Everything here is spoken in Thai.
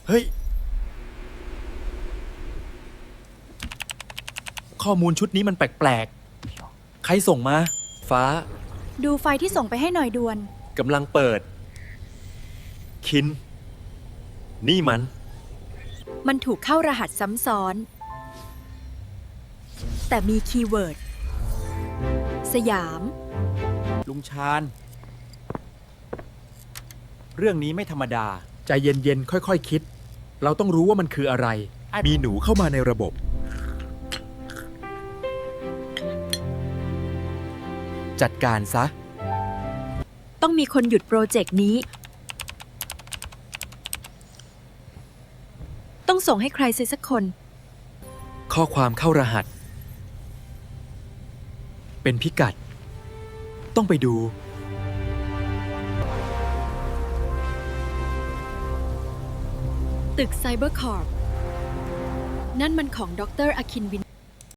เฮ้ย ข้อมูลชุดนี้มันแปลกๆ ใครส่งมา ฟ้าดูไฟที่ส่งไปให้หน่อยด่วนกำลังเปิด คิน นี่มันมันถูกเข้ารหัสซ้ำซ้อน แต่มีคีย์เวิร์ด สยามลุงชาญ เรื่องนี้ไม่ธรรมดา ใจเย็นๆ ค่อยๆ คิด เราต้องรู้ว่ามันคืออะไร มีหนูเข้ามาในระบบ จัดการซะต้องมีคนหยุดโปรเจกต์นี้ ต้องส่งให้ใครสักคนข้อความเข้ารหัส เป็นพิกัด ต้องไปดูตึกไซเบอร์คอร์ปนั่นมันของดร.อคินวิน